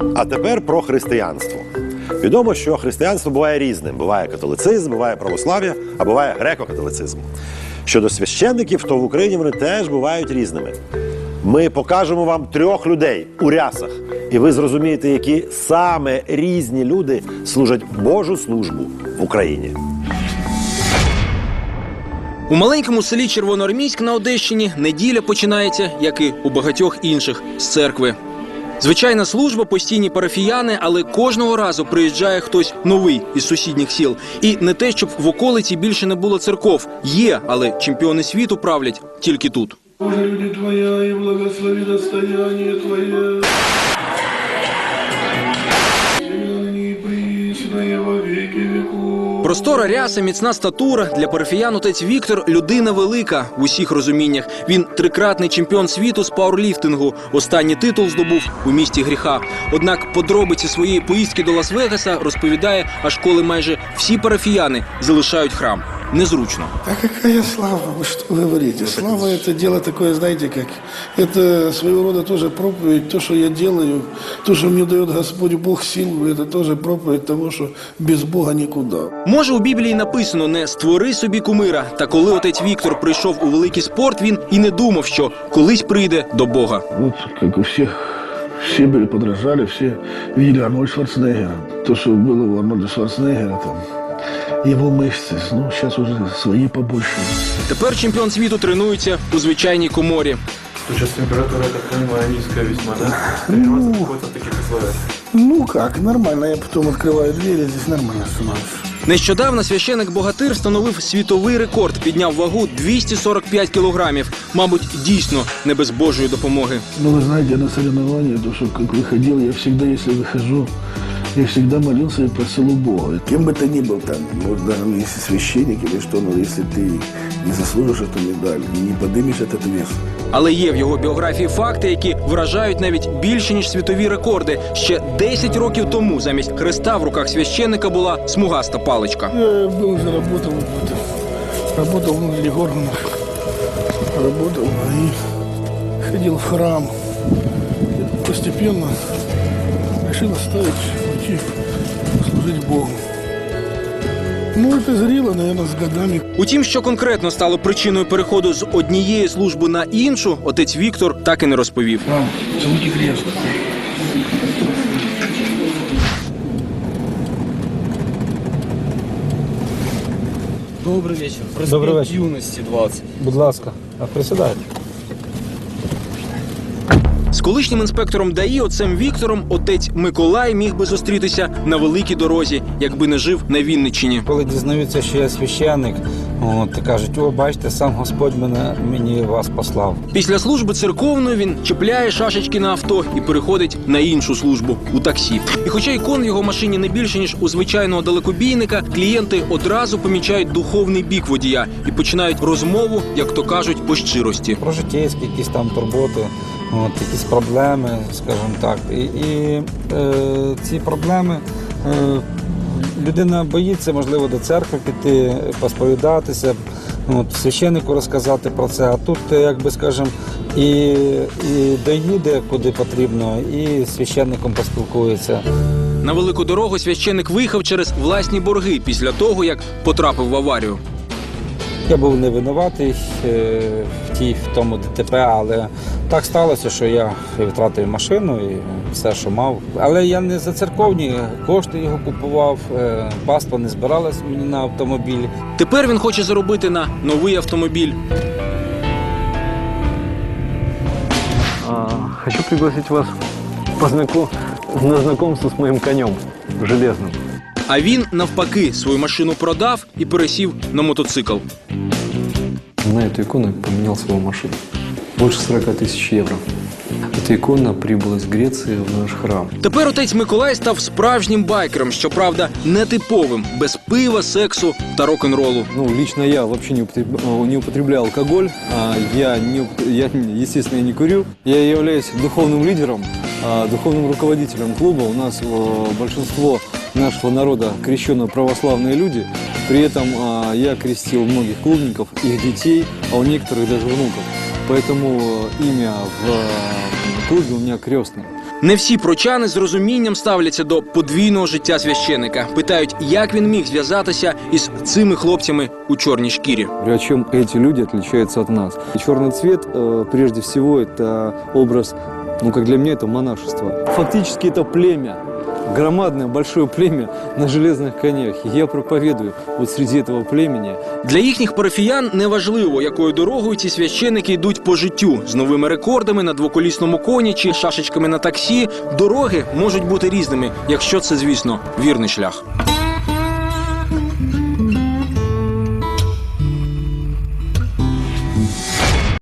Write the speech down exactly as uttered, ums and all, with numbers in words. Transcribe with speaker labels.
Speaker 1: А тепер про християнство. Відомо, що християнство буває різним. Буває католицизм, буває православ'я, а буває греко-католицизм. Щодо священників, то в Україні вони теж бувають різними. Ми покажемо вам трьох людей у рясах, і ви зрозумієте, які саме різні люди служать Божу службу в Україні.
Speaker 2: У маленькому селі Червоноармійськ на Одещині неділя починається, як і у багатьох інших, з церкви. Звичайна служба, постійні парафіяни, але кожного разу приїжджає хтось новий із сусідніх сіл. І не те, щоб в околиці більше не було церков. Є, але чемпіони світу правлять тільки тут.
Speaker 3: Боже, люди Твоя, и благослови достояние Твое. И пресное во веки веков.
Speaker 2: Простора ряса, міцна статура. Для парафіян отець Віктор – людина велика в усіх розуміннях. Він трикратний чемпіон світу з пауерліфтингу. Останній титул здобув у місті гріха. Однак подробиці своєї поїздки до Лас-Вегаса розповідає, аж коли майже всі парафіяни залишають храм. Незручно.
Speaker 3: А какая слава? Вы что говорите? Слава – это дело такое, знаете, как... Это своего рода тоже проповедь. То, что я делаю, то, что мне дает Господь Бог силу, это тоже проповедь того, что без Бога никуда.
Speaker 2: Може, у Біблії написано «не створи собі кумира». Та коли отець Віктор прийшов у великий спорт, він і не думав, що колись прийде до Бога.
Speaker 3: Вот, как у всех, все были подражали, все видели Арнольда Шварценеггера. То, что было у Арнольда Шварценеггера, там, его мышцы, ну, сейчас уже свои побольше.
Speaker 2: Тепер чемпіон світу тренується у звичайній коморі.
Speaker 4: Сейчас температура, я так понимаю, низкая весьма, да? Тренироваться
Speaker 3: Ну,
Speaker 4: приходится в таких условиях.
Speaker 3: ну как, нормально. Я потом открываю двери, здесь нормально становится.
Speaker 2: Нещодавно священик-богатир встановив світовий рекорд, підняв вагу двісті сорок п'ять кілограмів. Мабуть, дійсно не без Божої допомоги.
Speaker 3: Ну, вы знаете, я на соревнования, то, что как выходил, я всегда, если выхожу, я всегда молился и просил у Бога. Кем бы ты ни был там, может, даже если священник или что, но если ты не заслужишь эту медаль, не поднимешь этот вес.
Speaker 2: Але є в його біографії факти, які вражають навіть більше, ніж світові рекорди. Ще десять років тому замість хреста в руках священника була смугаста паличка.
Speaker 3: Я был уже работал, работал в органах, работал и ходил в храм. И постепенно решил оставить, уйти, служить Богу. Ну, это зрело, наверное, с годами.
Speaker 2: Утім, що конкретно стало причиною переходу з однієї служби на іншу, отець Віктор так і не розповів.
Speaker 3: Вам, целуйте крест.
Speaker 5: Добрий вечір.
Speaker 6: Добрий вечір.
Speaker 5: Юності двадцять.
Speaker 6: Будь ласка, а присідайте.
Speaker 2: З колишнім інспектором ДАІ отцем Віктором отець Миколай міг би зустрітися на великій дорозі, якби не жив на Вінниччині.
Speaker 6: Коли дізнаються, що я священник, от, кажуть, о, бачите, сам Господь мене, мені вас послав.
Speaker 2: Після служби церковної він чіпляє шашечки на авто і переходить на іншу службу – у таксі. І хоча ікон в його машині не більше, ніж у звичайного далекобійника, клієнти одразу помічають духовний бік водія і починають розмову, як то кажуть, по щирості.
Speaker 6: Про життєвські якісь там турботи, от, якісь проблеми, скажімо так. І, і е, ці проблеми, е, людина боїться, можливо, до церкви піти, посповідатися, от, священнику розказати про це. А тут, як би, скажімо, і, і доїде, куди потрібно, і з священником поспілкується.
Speaker 2: На велику дорогу священник виїхав через власні борги після того, як потрапив в аварію.
Speaker 6: Я був не винуватий е, в тій, в тому ДТП, але так сталося, що я втратив машину і все, що мав. Але я не за церковні кошти його купував, е, паства не збиралась мені на автомобіль.
Speaker 2: Тепер він хоче заробити на новий автомобіль.
Speaker 7: А, хочу пригласить вас познаком... на знакомство с моим конем железным.
Speaker 2: А він, навпаки, свою машину продав і пересів на мотоцикл.
Speaker 7: На эту икону я поменял свою машину. Больше сорока тысяч евро. Эта икона прибыла из Греции в наш храм.
Speaker 2: Тепер отець Миколай став справжнім байкером, щоправда, нетиповим, без пива, сексу та рок-н-ролу.
Speaker 7: Ну, лично я вообще не употребляю, не употребляю алкоголь. А я, не, я, естественно, не курю. Я являюсь духовным лидером, духовным руководителем клуба. У нас большинство нашего народа крещенные православные люди. При этом я крестил многих клубников, их детей, а у некоторых даже внуков. Поэтому имя в клубе у меня крестное.
Speaker 2: Не всі прочани з розумінням ставляться до подвійного життя священика. Питають, як він міг зв'язатися із цими хлопцями у чорній шкірі.
Speaker 7: А чем эти люди отличаются от нас? Черный цвет, э, прежде всего, это образ, ну, как для меня, это монашество. Фактически это племя, громадное, большое племя на железных конях. И я проповедую вот среди этого племени.
Speaker 2: Для їхніх парафіян неважливо, якою дорогою ці священики йдуть по життю. З новими рекордами на двоколісному коні чи шашечками на таксі. Дороги можуть бути різними, якщо це, звісно, вірний шлях.